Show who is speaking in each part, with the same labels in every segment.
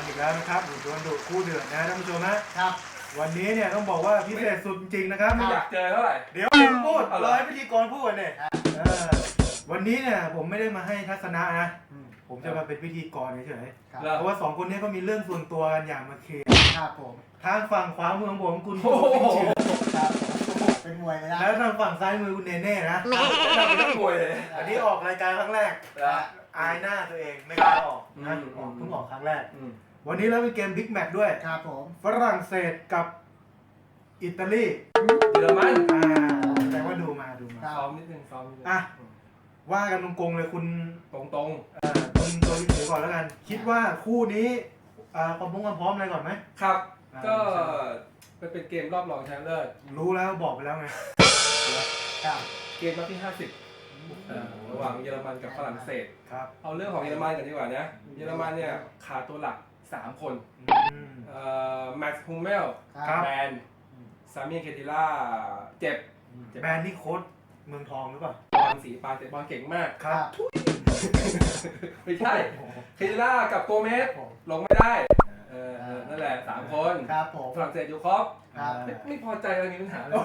Speaker 1: อีกแล้วนะครับดวลดุคู่เดือดนะท่านผู้ชมนะครับวันนี้เนี่ยต้องบอกว่าพิเศษสุดจริงๆนะครับ
Speaker 2: ไม่อยากเจอเท่าไหร่
Speaker 1: เดี๋ยวพูดร้อยพิธีกรพูดเนี่ยวันนี้เนี่ยผมไม่ได้มาให้ทัศนะนะผมจะมาเป็นพิธีกรเฉยๆเพราะว่า2คนนี้ก็มีเรื่องส่วนตัวกันอย่างมาเคลียร์
Speaker 3: ครับผม
Speaker 1: ทางฝั่งขวามือของผมคุณ
Speaker 3: ครับเป็นมวยเลยนะ
Speaker 1: แล้วทางฝั่งซ้ายมือคุณเนเน่นะ
Speaker 2: เป็นนักมวยเลย
Speaker 1: อันนี้ออกรายการครั้งแรกอายหน้าตัวเองไม่กล้าออกนะเพิ่งออกครั้งแรกวันนี้เราเป็นเกมบิ๊กแมตช์ด้วย
Speaker 3: ครับผม
Speaker 1: ฝรั่งเศสกับอิตาลี
Speaker 2: เยอรมัน
Speaker 1: แต่ว่าดูมา
Speaker 2: ซ้อมนิดนึง
Speaker 1: ว่ากันตรงๆเลยคุณ
Speaker 2: ตรง
Speaker 1: คุณตัวถือก่อนแล้วกันคิดว่าคู่นี้ความพร้อมอะไรก่อนไหม
Speaker 2: ครับก็เป็นเกมรอบรองชนะเลิศ
Speaker 1: รู้แล้วบอกไปแล้วไง
Speaker 2: เกมรอบที่50ระหว่างเยอรมันกับฝรั่งเศสเอาเรื่องของเยอรมันกันดีกว่านะเยอรมันเนี่ยขาดตัวหลัก3คนแม็กซ์ฮูเมลแบนซามีเคติล่าเจ็บ
Speaker 1: แบนนี่โค้ชเมืองทองหรือเปล่า
Speaker 2: บอลสีปาเตะบอลเก่งมาก
Speaker 1: ครับ
Speaker 2: ไม่ใช่เคติล่ากับโกเมสลงไม่ได้นั่นแหละ3คนฝรั่งเศสอยู่ครบไม่พอใจอะไรมีปัญหาเลย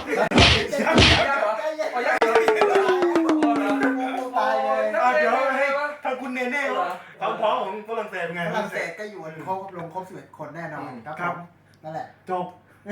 Speaker 1: เดี๋ยวให้ทางคุณเนเน่เขาพร้อมของฝรั่งเศสไง
Speaker 3: ฝรั่งเศสก็อยู่ลงครบ11คนแน่นอนครับนั่นแหละ
Speaker 1: จบ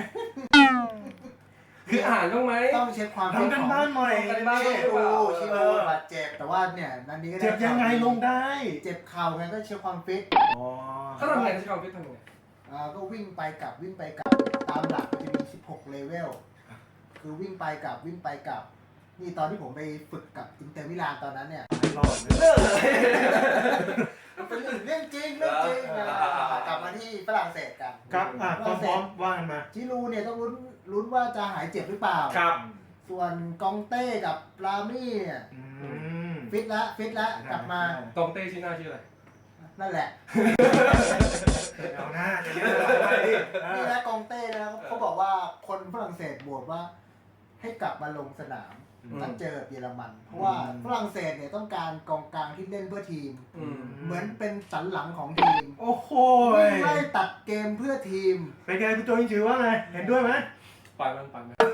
Speaker 2: คืออ่านต้องไหม
Speaker 3: ต้องเช็คความ
Speaker 1: ทำกันบ้านหน่อย
Speaker 3: ชิโร่บาดเจ็บแต่ว่าเนี่ยนันนี้ก็
Speaker 1: เจ็บยังไงลงได้
Speaker 3: เจ็บเข่าไงก็เช็คความฟิต
Speaker 2: เขาทำไงเช็คความฟิตทำไง
Speaker 3: ก็วิ่งไปกลับตามหลักมันจะมี16เลเวลคือวิ่งไปกลับนี่ตอนที่ผมไปฝึกกับอินเตอร์มิลานตอนนั้นเนี่ย
Speaker 1: ไม่รอดเลย
Speaker 3: เป็นเรื่องจริงกลับมาที่ฝรั่งเศสกัน
Speaker 1: ครับพร้อมว่ากันมา
Speaker 3: จิรูเนี่ยต้องลุ้นว่าจะหายเจ็บหรือเปล่า
Speaker 2: ครับ
Speaker 3: ส่วนกองเต้กับปรามี่เนี่ยฟิตแล้วกลับมาก
Speaker 2: องเต้ชื่อหน้าชื่ออะไร
Speaker 3: นั่นแหละ
Speaker 1: เอาหน้าจะเยอะ
Speaker 3: นี่นะกองเต้นะเขาบอกว่าคนฝรั่งเศสบวกว่าให้กลับมาลงสนามนัดเจอเยอรมันเพราะว่าฝรั่งเศสเนี่ยต้องการกองกลางที่เล่นเพื่อทีมเหมือนเป็นสันหลังของทีม
Speaker 1: โอ้โห
Speaker 3: ไล่ตัดเกมเพื่อทีม
Speaker 1: เป็นไงคุณโจยิงจือว่าไงเห็นด้วยไหม
Speaker 2: ปล่อยมัน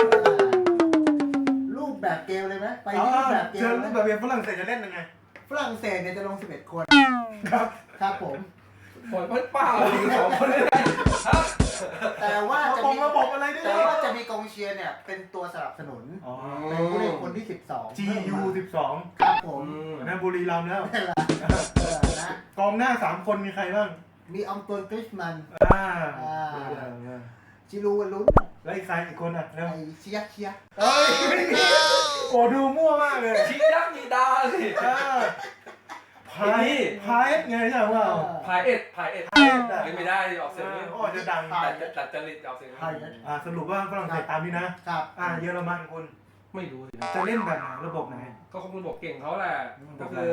Speaker 3: รูปแบบเกมเลยไหมไปรูปแบบเกม
Speaker 1: รูปแบบเกมฝรั่งเศสจะเล่นยังไง
Speaker 3: ฝรั่งเศสเนี่ยจะลง11คนครับผม
Speaker 2: ผลเปล่า2 คนเลย
Speaker 3: แต่ว่าจะมี
Speaker 1: ระบบอะไรด้วย
Speaker 3: แต่ว่าจะมีกองเชียร์เนี่ยเป็นตัวสนับสนุนเป็นผู้เล่นคนที่12
Speaker 1: GU 12
Speaker 3: ครับผม
Speaker 1: นะบุรีรัมย์แล้วกองหน้า3คนมีใครบ้าง
Speaker 3: มีอองตวนกริชมันจิรูลุ้น
Speaker 1: แล้วอีกใครอีกคนอ่ะ
Speaker 3: ไอเชีย
Speaker 1: โอ้ดูมั่วมากเลย
Speaker 2: ชิยักษ์มีดาสิ
Speaker 1: พายไงใช่ไหมว่า
Speaker 2: พายเอ็ดไม่ได้ออกเสียง
Speaker 1: จะดัง
Speaker 2: ตัดจริตออกเสียง
Speaker 1: สรุปว่าฝรั่งเศสตามนี้นะครับเยอรมันคุณ
Speaker 2: ไม่รู้สิ
Speaker 1: จะเล่นแบบไหนระบบไหน
Speaker 2: ก็คงระบบเก่งเขาแหละก็คือ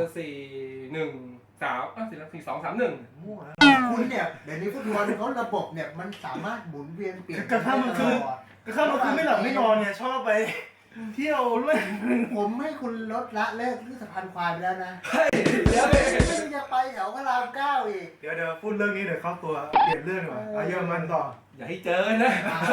Speaker 2: 4-1-3
Speaker 1: มั่ว
Speaker 3: คุณเนี่ยเดี๋ยวนี้ฟุตบอลเขาระบบเนี่ยมันสามารถหมุนเวียนเปลี่ยน
Speaker 1: กระทั่งมันคือไม่หลับไม่นอนเนี่ยชอบไปเที่ยวด้วย
Speaker 3: ผมให้คุณลดละเลิกที่สะพานควายไปแล้วนะ
Speaker 2: เดี๋ยว
Speaker 3: จะไปแถวพระราม9อีก
Speaker 1: เดี๋ยวพูดเรื่องนี้เดี๋ยวเข้าตัวเปลี่ยนเรื่องก่อนเยอรมันต่อ
Speaker 2: อย่าให้เจอนะ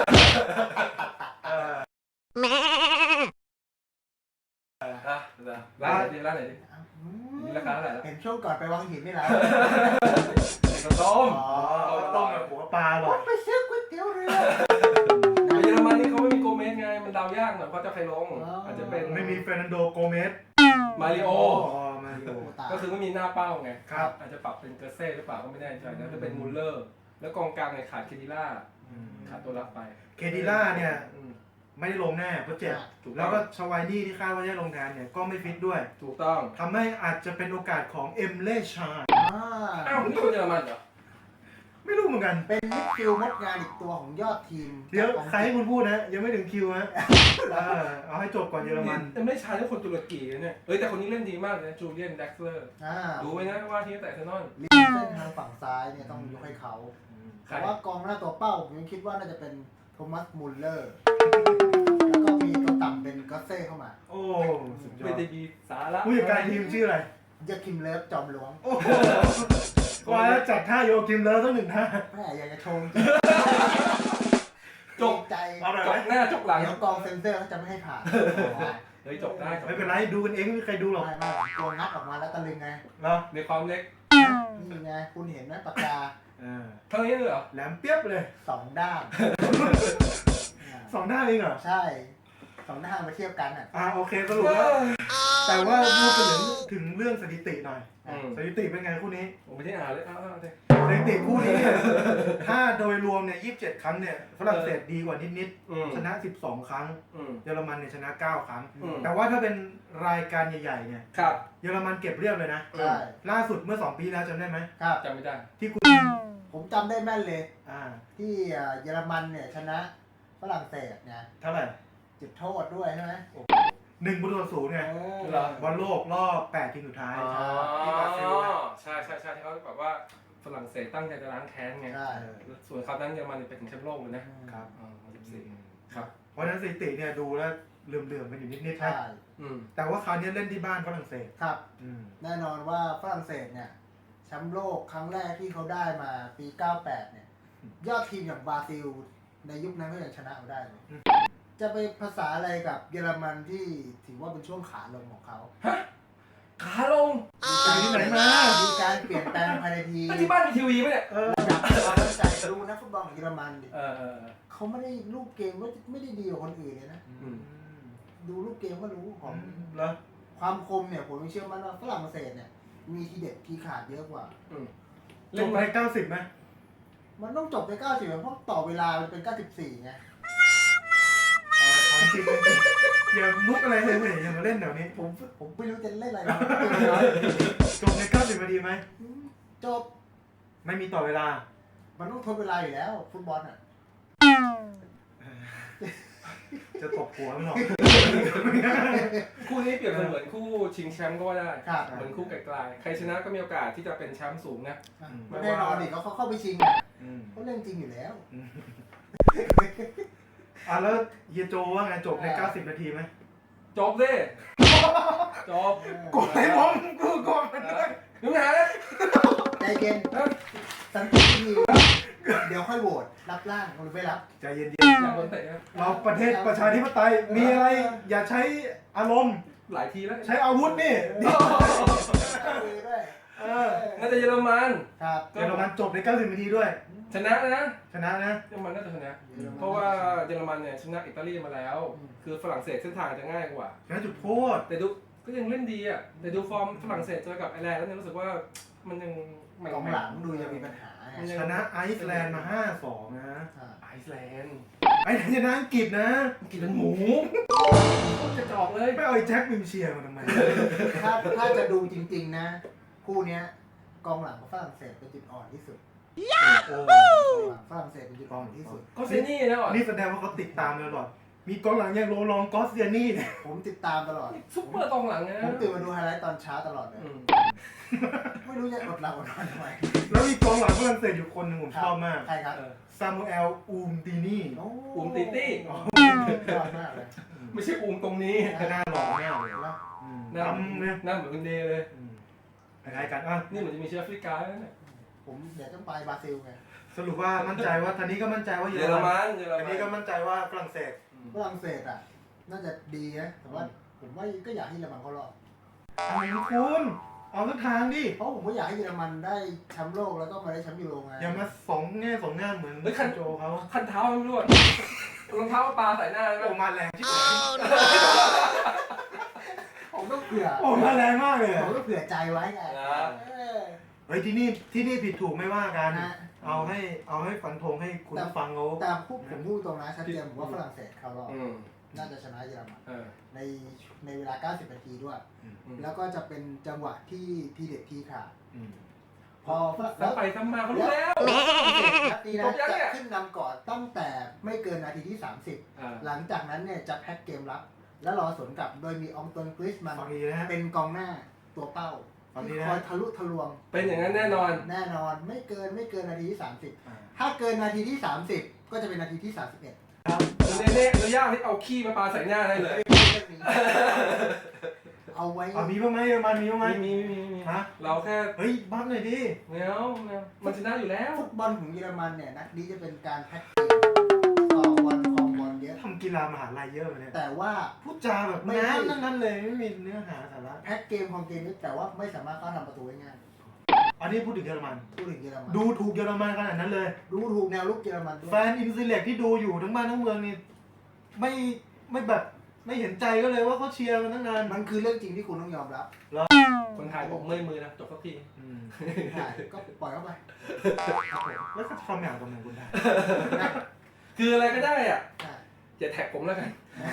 Speaker 2: ร้านไหนดิราคาเท่าไหร่
Speaker 3: เห็นช่วงก่อนไปวังหินนี่แหละ
Speaker 1: ต้มแบบหัวปลาหรอ
Speaker 3: ไปซื้อก๋วยเตี๋ยวเรือ
Speaker 2: เยอรมันนี่เขาไม่มีโกเมสไงมันเดายากหน่อยเพราะจะใครลงอาจจะเป็น
Speaker 1: ไม่มีเฟรนันโดโกเมส
Speaker 2: มาริโอก็คือไม่มีหน้าเป้าไง
Speaker 1: ครับ
Speaker 2: อาจจะปรับเป็นเกอร์เซ่หรือเปล่าก็ไม่แน่ใจนะจะเป็นมูลเลอร์แล้วกองกลางเนี่ยขาดเคดิล่าขาดตัวรับไป
Speaker 1: เคดิล่าเนี่ยไม่ได้ลงแน่เพราะเจ็บแล้วก็ชวายดี้ที่คาดว่าจะลงงานเนี่ยก็ไม่ฟิตด้วย
Speaker 2: ถูกต้อง
Speaker 1: ทำให้อาจจะเป็นโอกาสของเอ็มเล่ชา
Speaker 2: อ้าวนี่คนเยอรมันเหรอ
Speaker 1: ไม่รู้เหมือนกัน
Speaker 3: เป็นมิดฟิลด์มดงานอีกตัวของยอดทีม
Speaker 1: เดี๋ยวใครให้คุณพูดนะยังไม่ถึงคิวนะเอาให้จบก่อนเยอรมัน
Speaker 2: แต่ไม่ใช่ทุกคนตุรกีเนี่ยแต่คนนี้เล่นดีมากเลยจูเลียนแด็กเลอร์ดูไว้นะว่าทีมแต่เซนอน
Speaker 3: ริมเส้นทางฝั่งซ้ายเนี่ยต้องยกให้เขาแต่ว่ากองหน้าตัวเป้าผมยังคิดว่าน่าจะเป็นโทมัสมูลเลอร์แล้วก็มีตัวต่ำเป็นก็เซ่เข้ามา
Speaker 1: โอ้
Speaker 2: ไม่ได้ดีสาระ
Speaker 1: ผู้จัดการทีมชื่ออะไร
Speaker 3: ยาคิมเลิฟจอมหลวง
Speaker 1: ว่าแล้วจัดท่าโยกิมเลยต้องหนึ่งท่า
Speaker 3: แม่อยากจะชม
Speaker 2: จบ
Speaker 3: ใจ
Speaker 1: เอาหน่อย
Speaker 2: จ
Speaker 1: ไหม
Speaker 2: บหน้าจบหลัง
Speaker 3: เดี๋ยวกองเซนเซอร์เขาจะไม่ให้ผ่าน
Speaker 2: เฮ้ยจบได้จบ
Speaker 1: ไม่เป็นไรดูกันเองไม่มีใครดูหรอก
Speaker 3: ไม่ตัวงัดออกมาแล้วตะลึงไง
Speaker 1: เนาะ
Speaker 2: ในความเล็ก
Speaker 3: นี่ไงคุณเห็นไหมปากกา
Speaker 2: เท่านี้เลยเหรอ
Speaker 1: แหลมเปียบเลย
Speaker 3: 2 ด้าม
Speaker 1: สองด้านเองเหรอ
Speaker 3: ใช่2 ด้ามมาเทียบกันอ่ะ
Speaker 1: โอเคสรุปแล้วแต่ว่าพูดถึงเรื่องสถิติหน่อย สถิติเป็นไงคู่นี้
Speaker 2: ผมไม่ได้อ่านเลยเอาเลย
Speaker 1: สถิติคู่นี้เนี่ยถ้าโดยรวมเนี่ย27 ครั้งเนี่ยฝรั่งเศสดีกว่านิดๆชนะ 12 ครั้ง เยอรมันเนี่ยชนะ 9 ครั้ง แต่ว่าถ้าเป็นรายการใหญ่ๆเนี่ย
Speaker 2: ครับ
Speaker 1: เยอรมันเก็บเรียบเลยนะ
Speaker 3: ใช่
Speaker 1: ล่าสุดเมื่อ 2 ปีแล้วจำได้ไหม
Speaker 3: ครับ
Speaker 2: จำไม่ได้
Speaker 1: ที่คุณ
Speaker 3: ผมจำได้แม่นเลย
Speaker 1: อ่า
Speaker 3: ที่เยอรมันเนี่ยชนะฝรั่งเศสเนี่ย
Speaker 1: เท่าไหร่
Speaker 3: จุดโทษด้วยใช่ไหม
Speaker 1: 1-0ไง
Speaker 2: เหรอ
Speaker 1: บอลโลกรอบ 8 ทีมสุดท้าย
Speaker 2: อ๋อ
Speaker 1: ที่บราซิลนะ
Speaker 2: ใช่ที่เขาแบบว่าฝรั่งเศสตั้งใจจะล้างแค้นไง
Speaker 3: ใช่
Speaker 2: ส่วนคราวนั้นเยอรมันไปถึงแชมป์โลกเลยนะครับ ครับ
Speaker 1: เพราะฉะนั้นสถิติเนี่ยดูแล้วเหลื่อมๆกันอยู่นิดๆ
Speaker 3: ใช่
Speaker 1: นะแต่ว่าคราวนี้เล่นที่บ้านฝรั่งเศส
Speaker 3: ครับ แน่นอนว่าฝรั่งเศสเนี่ยแชมป์โลกครั้งแรกที่เขาได้มาปี 98 เนี่ย ยอดทีมอย่างบราซิล ในยุคนั้นก็ยังชนะเอาได้เลย จะไปภาษาอะไรกับเยอรมันที่ถือว่าเป็นช่วงขาลงของเขา
Speaker 2: ขาลง
Speaker 1: ใจที่ไหนมา
Speaker 3: มีการเปลี่ยนแปลงภายในทีม
Speaker 2: ที่บ้านมีทีวีไหมเนี่ย
Speaker 3: ระดับความมั่นใจรู้นักฟุตบอลของเยอรมันดิ เขาไม่ได้ลูกเกมไม่ได้ดีกว่าคนอื่นเลยนะ ดูลูกเกมก็รู้ของ
Speaker 1: แล้ว
Speaker 3: ความคมเนี่ยผมเชื่อมั่นว่าฝรั่งเศสเนี่ยมีทีเด็ดทีขาดเยอะกว่า
Speaker 1: จบไป90ไหม
Speaker 3: มันต้องจบไป90เพราะต่อเวลามันเป็น 94 ไง
Speaker 1: ของจริงอย่ามุกอะไรเลยอย่ามาเล่นแถวนี้
Speaker 3: ผมไม่รู้จะเล่นอะไรนะ
Speaker 1: จบใน90 นาทีไหม
Speaker 3: จบ
Speaker 1: ไม่มีต่อเวลา
Speaker 3: มันต้องทดเวลาอยู่แล้วฟุตบอลอ่ะ
Speaker 1: จะตบหัวมันหรอก
Speaker 2: คู่นี้เปรียบเสมือนคู่ชิงแชมป์ก็ว่าได้
Speaker 3: ครับ
Speaker 2: เหมือนคู่ไกลๆใครชนะก็มีโอกาสที่จะเป็นแชมป์สูงนะ
Speaker 3: แน่นอนดิเขาเข้าไปชิงเขาเล่นจริงอยู่แล้ว
Speaker 1: แล้วเยโจว่าไงจบใน90 นาทีไหม
Speaker 2: จบสิจบ
Speaker 1: กดให้ผมกูกดมันด้วย
Speaker 2: นึกหาเลย
Speaker 3: ใจเย็นสันติทีเดี๋ยวค่อยโหวตรับร่างหรือไม่รับ
Speaker 1: ใจเย็น
Speaker 2: อยากโดนเตะนะ
Speaker 1: ๆเราประเทศประชาธิปไตยมีอะไรอย่าใช้อารมณ์
Speaker 2: หลายทีแล้ว
Speaker 1: ใช้อาวุธนี่
Speaker 3: ด้วย
Speaker 2: น่าจะเยอรมัน
Speaker 3: ครับ
Speaker 1: เยอรมันจบใน90 นาทีด้วย
Speaker 2: ชนะนะ
Speaker 1: ชนะนะ
Speaker 2: เยอรมันน่าจะชนะ เพราะว่าเยอรมันเนี่ยชนะอิตาลีมาแล้ว คือฝรั่งเศสเส้นทางจะง่ายกว่า
Speaker 1: ชนะจุดโทษ
Speaker 2: แต่ดูก็ยังเล่นดีอ่ะ แต่ดูฟอร์มฝรั่งเศสเจอกับไอร์แลนด์แล้วเนี่ยรู้สึกว่ามันยังไม่
Speaker 3: กองหลังดูยังมีปัญหาไง
Speaker 1: ชนะไอซ์แลนด์มา 5-2 นะ
Speaker 2: ไอซ์แลนด์
Speaker 1: ไอซ์แลนด์ชนะอังกฤษนะ
Speaker 2: กินเป็นหมูจะจอกเลย
Speaker 1: ไม่เอาไอ้แจ็ควิมเชียร์มาทำไม
Speaker 3: ถ้าจะดูจริงๆนะ คู่เนี้ยกองหลังของฝรั่งเศสเป็นจุดอ่อนที่สุด
Speaker 1: โอ้
Speaker 3: กองหลังฝรั่งเศสเป็นจุดอ่อนที่สุด
Speaker 2: ก็เซนี่นะอ่ะ
Speaker 1: นี่แสดงว่าเขาติดตามตลอด มีกองหลังอย่างโรลองกอสเซียนี่เนี่ย
Speaker 3: ผมติดตามตลอด
Speaker 2: ซุปเปอร์กองหลังนะ
Speaker 3: ผมตื่นมาดูไฮไลท์ตอนเช้าตลอดเลย ไม่รู้จะอดหลับอดนอนทำไม
Speaker 1: แล้วมีกองหลังฝรั่งเศสอยู่คนหนึงผมชอบมาก
Speaker 3: ใครครับ
Speaker 1: ซามูเอลอูมตินี่
Speaker 2: อูมติตี้
Speaker 3: ยอดมากเลย
Speaker 2: ไม่ใช่อูมตรงนี้
Speaker 1: หน้าหล่อหน้าหล่อ
Speaker 3: แล้ว
Speaker 2: หน้า
Speaker 1: ดำเนี่ย
Speaker 2: หน้าเหมือนคุณเดย์เลย
Speaker 1: คล้ายๆกันอ่ะ
Speaker 2: นี่เหมือนจะมีเชื้อแอฟริกาแล้วเนี่ย
Speaker 3: ผมเดี๋ยวต้องไปบราซิลไง
Speaker 1: สรุปว่ามั่นใจว่าทันนี้ก็มั่นใจว่า
Speaker 2: เยอรมันเยอร
Speaker 1: ทัน
Speaker 2: มั
Speaker 1: นี้ก็
Speaker 2: น
Speaker 1: มั่นใจว่าฝรั่งเศส
Speaker 3: ฝรั่งเศสอ่ะ น่าจะดีนะ แต่ว่าผมว่าก็อยากให้เยอรมันเขารอด
Speaker 1: อะไรคุณเอาทุกทางดิ
Speaker 3: เพราะผมก็อยากให้เยอรมันได้แชมป์โลกแล้วก็มาได้แชมป์ยูโรไง
Speaker 1: อย่ามาสองแง่สองงามเหมือนโจเขา
Speaker 2: คันเท้าไม่รู้อะรองเท้าปลาใส่หน้าใช่ไหม
Speaker 1: โอ้มาแรงที่สุด
Speaker 3: ผมต้องเผื่อ
Speaker 1: โอ้มาแรงมากเลย
Speaker 3: ผมต้องเผื่อใจไว้ไง
Speaker 1: เฮ้ยที่นี่ผิดถูกไม่ว่ากัน
Speaker 3: นะ
Speaker 1: เอาให้ฟันธงให้คุณผู้ฟังเขา
Speaker 3: แต่ผมพูดตรงนะชัดเจนผมว่าฝรั่งเศสเข้ารอบน่าจะชนะเยอรมันในเวลา 90 นาทีด้วย แล้วก็จะเป็นจังหวะที่ทีเด็ดทีขาดพอ
Speaker 2: แล้วไปซ้ำมาเขารู้แล้ว
Speaker 3: นัดนี้นะจะขึ้นนำก่อนตั้งแต่ไม่เกินนาทีที่ 30 หลังจากนั้นเนี่ยจะแพ็คเกมรับ แล้วรอสวนกลับโดยมีอองตวนกริสมัน
Speaker 1: ฟังดีนะฮะ
Speaker 3: เป็นกองหน้าตัวเป้า
Speaker 1: ฟังดี
Speaker 3: ที่
Speaker 1: นะ
Speaker 3: คอยทะลุทะลวง
Speaker 2: เป็นอย่างนั้นแน่นอน
Speaker 3: แน่นอนไม่เกินนาทีที่ 30 ถ้าเกินนาทีที่ 30 ก็จะเป็นนาทีที่ 31
Speaker 2: เน่ๆอนุญาตให้เอาขี้มาปลาใส่หน้าได้เลย
Speaker 3: แเอาไว้
Speaker 1: มีบ้างไหมเยอรมันมีบ้างไหม
Speaker 2: มี
Speaker 1: ฮะ
Speaker 2: เราแค่
Speaker 1: เฮ้ยบัฟหน่อยดิ
Speaker 2: แมวมันชนะอยู่แล้ว
Speaker 3: ฟุตบอลของเยอรมันเนี่ยนัดนี้จะเป็นการแพ็กเกจต่อวันของบอลเยอะ
Speaker 1: ทำกีฬามหาลัยเยอะเลยเนี่ย
Speaker 3: แต่ว่า
Speaker 1: พูดจาแบบน้ำทั้งนั้นเลยไม่มีเนื้อหาสาระ
Speaker 3: แพ็กเกมของเกมนี้แต่ว่าไม่สามารถเข้าทำประตูได้ง่าย
Speaker 1: อันนี้พูดถึงเยอรมัน
Speaker 3: พูดถึงเยอรมัน
Speaker 1: ดูถูกเยอรมันขนาดนั้นเลย
Speaker 3: ดูถูกแนวลุกเยอรมันด้ว
Speaker 1: แฟ
Speaker 3: ย
Speaker 1: นอินซิเล็กที่ดูอยู่ทั้งบ้านทั้งเมืองนี่ไม่แบบไม่เห็นใจก็เลยว่าเขาเชียร์มันตั้งนาน
Speaker 3: มันคือเรื่องจริงที่คุณต้องยอมรับ
Speaker 2: คนไทยบอกเมื่อยมือนะจบสักที
Speaker 3: ใช่ก็ปล่อยเข้าไป
Speaker 1: แล้วเขาจะทำอย่างกับเมืองคุณได้
Speaker 2: คืออะไรก็ได้อ่ะ
Speaker 3: ใช่
Speaker 2: อย่าแท็กผมแล้วกัน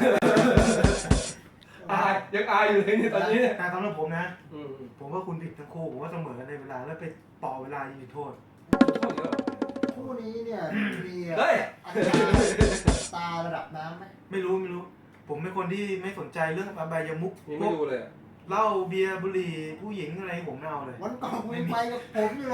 Speaker 2: อายยังอายอยู่เลยเนี่ยตอนนี้เนี่ย
Speaker 1: แต่สำหรับผมนะ
Speaker 2: อืม
Speaker 1: ผมว่าคุณผิดทั้งคู่ผมว่าเสมอกันในเวลาแล้วไปต่อเวลายิงจุดโทษ
Speaker 2: โทษเยอะ
Speaker 3: คู่นี้เนี่ยมี
Speaker 2: เฮ้ย
Speaker 3: อัตราระดับน้ำไหม
Speaker 1: ไม่รู้ ผมเป็นคนที่ไม่สนใจเรื่องอบายมุก
Speaker 2: ยัง
Speaker 1: พ
Speaker 2: ไม่
Speaker 1: วก
Speaker 2: ดูเลยอะ
Speaker 1: เหล้าเบียร์บุหรี่ผู้หญิงอะไรผมไม่เอาเลย
Speaker 3: วันก่อนคุณไปกับผมอยู่เลย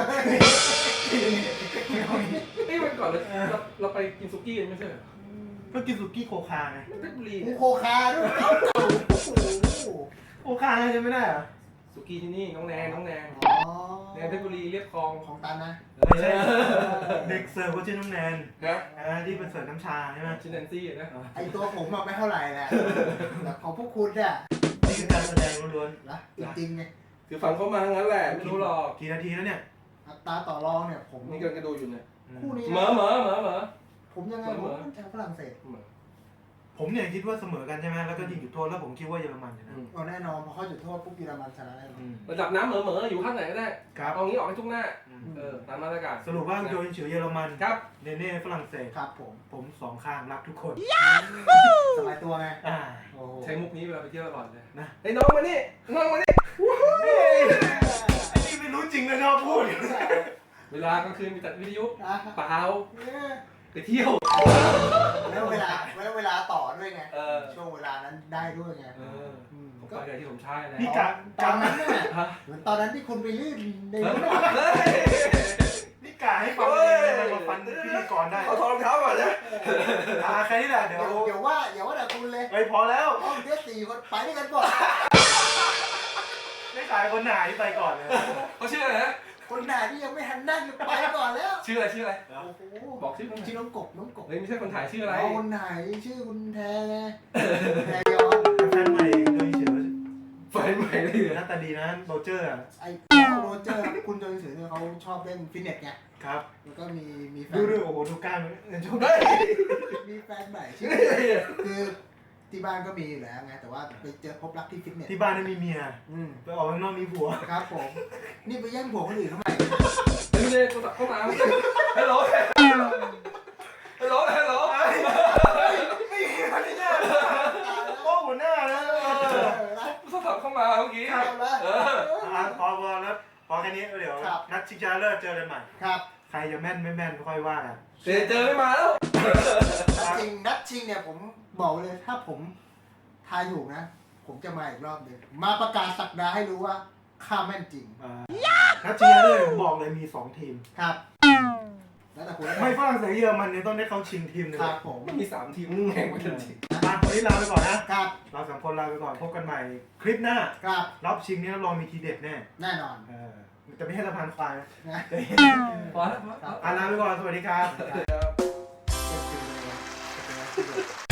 Speaker 2: นี่วันก่อนเราไปกินซุกี้กันไม่ใช่เหรอ
Speaker 1: ก็กินสุกี้โคคาไง
Speaker 2: เพชรบุรี
Speaker 3: กู
Speaker 2: เนี่ย
Speaker 3: โคคาด้วยโอ้โห
Speaker 1: โคคาใช่ไม่ได้เหรอ
Speaker 2: ซุกี้ที่นี่น้องแนน
Speaker 3: อ๋อ
Speaker 2: แนนเพชรบุรีเรียบคลอง
Speaker 3: ของตันนะ
Speaker 1: ไม่ใช่เด็กเสิร์ฟก็ชื่อน้องแนน
Speaker 2: นะ
Speaker 1: ที่เป็นเสิร์ฟน้ำชาใช่ไหม
Speaker 2: ชินแนนซี่นะ
Speaker 3: ไอตัวผมอะไม่เท่าไหร่แหละแต่ของพวกคุณเนี่ย
Speaker 1: นี่คือการแสดงล้วน
Speaker 3: นะจริงๆไง
Speaker 2: คือฟังเขามางั้นแหละไม่รู้หรอก
Speaker 1: ๆกี่นาทีแล้วเนี่ย
Speaker 3: อัตราต่อรองเนี่ยผม
Speaker 2: นี่ก็ดูอยู่เนี่ย
Speaker 3: คู่นี้
Speaker 2: เหมอ
Speaker 3: ผมยังไงผมชาวฝรั่งเศส
Speaker 1: ผมเนี่ยคิดว่าเสมอกันใช่ไหมแล้วก็ยิงจุดโทษแล้วผมคิดว่าเยอรมันชนะ
Speaker 3: ก็แน่นอนพอเข้าจุดโทษปุ๊บเยอรมันชนะแน่นอน
Speaker 2: ระดับน้ำเหมออยู่ข้างไหนก็ได้
Speaker 1: ครับ
Speaker 2: เอางี้ออกให้ทุกหน้าตามมาตรการ
Speaker 1: สรุปว่าโดยเฉยเยอรมัน
Speaker 2: ครับ
Speaker 1: เนเน่ฝรั่งเศส
Speaker 3: ครับผม
Speaker 1: ผมสองข้างรักทุกคน
Speaker 3: สบายตัวไง
Speaker 1: อ่า
Speaker 3: โอ้โห
Speaker 2: ใช้มุกนี้เวลาไปเที่ยวตลอดเลย
Speaker 1: นะ
Speaker 2: ไอ้น้องมานี่น้องมานี่
Speaker 1: ไอ้นี่ไม่รู้จริงเลยชอบพูด
Speaker 2: เวลากลางคืนมีจัดวิทยุ
Speaker 3: อ่ะ
Speaker 2: เปล่าไปเที่ยว
Speaker 3: แล้วเวลาต่อด้วยไง
Speaker 2: เออ
Speaker 3: ช่วงเวลานั้นได้ด้วยไง
Speaker 2: ผมไปที่ผมใช่เลย
Speaker 1: พี่กะ
Speaker 3: ตอนนั้นเนี่ยเหมือนตอนนั้นที่คุณไปลื่นใน
Speaker 2: เฮ้
Speaker 3: รถ
Speaker 1: นี่กะให้ฟังเองเลยมาฟันพิธีกรได้
Speaker 2: เอาถอดรองเท้าก่อนนะ
Speaker 1: แค่นี้แหละเดี๋ยว
Speaker 3: อย่าว่าแต่คุณเลย
Speaker 1: เฮ้ยพอแล้ว
Speaker 3: ห้องเดียว4 คนไปด้วยกันก่อน
Speaker 1: ไม่ขายคนไหนไปก่อนเลย
Speaker 2: เขาชื่ออะไรนะ
Speaker 3: คนไหนที่ยังไม่ทันนั่งไปก่อนแล้ว
Speaker 2: ชื่ออะไร
Speaker 3: โอ้โห
Speaker 2: บอกชื่อคนไหน
Speaker 3: ชื่อน้องกบ
Speaker 2: เฮ้ยไม่ใช่คนถ่ายชื่ออะไร
Speaker 3: คนไหนชื่อคุณแทไงแทย้อน
Speaker 1: แฟนใหม่โดยเฉย
Speaker 2: ไฟใหม่เลยเหรอ
Speaker 1: หน้าตาดีนะโรเจอร์อะ
Speaker 3: ไอ้โรเจอร์คุณโจนสือเนี่ยเขาชอบเล่นฟิตเนสไง
Speaker 1: ครับ
Speaker 3: แล้วก็มีแฟ
Speaker 1: ดู
Speaker 3: น
Speaker 1: ด้วยโอ้โหดูกล้ามชม
Speaker 2: เฮ้ย
Speaker 3: มีแฟนใหม่ชื่อคือที่บ้านก็มีอยู่แล้วไงแต่ว่าไปเจอพบรักที่ฟิตเนส
Speaker 1: ที่บ้านนั้นมีเมีย
Speaker 3: อืม
Speaker 1: ไปออกข้างนอกมีผัว
Speaker 3: ครับผมนี่ไปแย่งผัวคนอื่นทำไม
Speaker 2: เฮ้ยเนี่ยโทรศัพท์เข้ามาฮัลโหลฮัลโหล
Speaker 1: ไม่มีพันยาโอ้หัวหน้านะ
Speaker 2: โทรศัพท์เข้ามาเมื่อกี้
Speaker 3: ครับแล้ว
Speaker 1: พอแล้วพอแค่นี้เดี๋ยวนัดชิงชนะเลิศเจอกันใหม่
Speaker 3: ครับ
Speaker 1: ใครจะแม่นไม่แม่นค่อยว่ากัน
Speaker 2: เจอไม่มาแล้ว
Speaker 3: นัดชิงเนี่ยผมบอกเลยถ้าผมทายถูกนะ ผมจะมาอีกรอบหนึงมาประกาศสักดาให้รู้ว่าข้าแม่นจริง
Speaker 1: นัดชิงชนะเลิศผมบอกเลยมี2ทีม
Speaker 3: ครับ แล้วแต่คุณ
Speaker 1: ไม่ฝรั่งเศสเยอรมันเนี่ยต้องได้เข้าชิงทีมหนึง
Speaker 3: ครับผม
Speaker 2: มี3ทีมแข่งกันจริง
Speaker 1: วันนี้ลาไปก่อนนะ
Speaker 3: ครับ
Speaker 1: เราสามคนลาไปก่อนพบกันใหม่คลิปหน้า
Speaker 3: ครับ
Speaker 1: รอบชิงนี้รับรองมีทีเด็ดแน่
Speaker 3: แน่นอน
Speaker 1: จะไม่ให้สะพานควายนะ
Speaker 3: นะ
Speaker 2: พอแล้ว
Speaker 1: ลาไปก่อนสวัสดีครับ
Speaker 3: เจ็บจริงเลย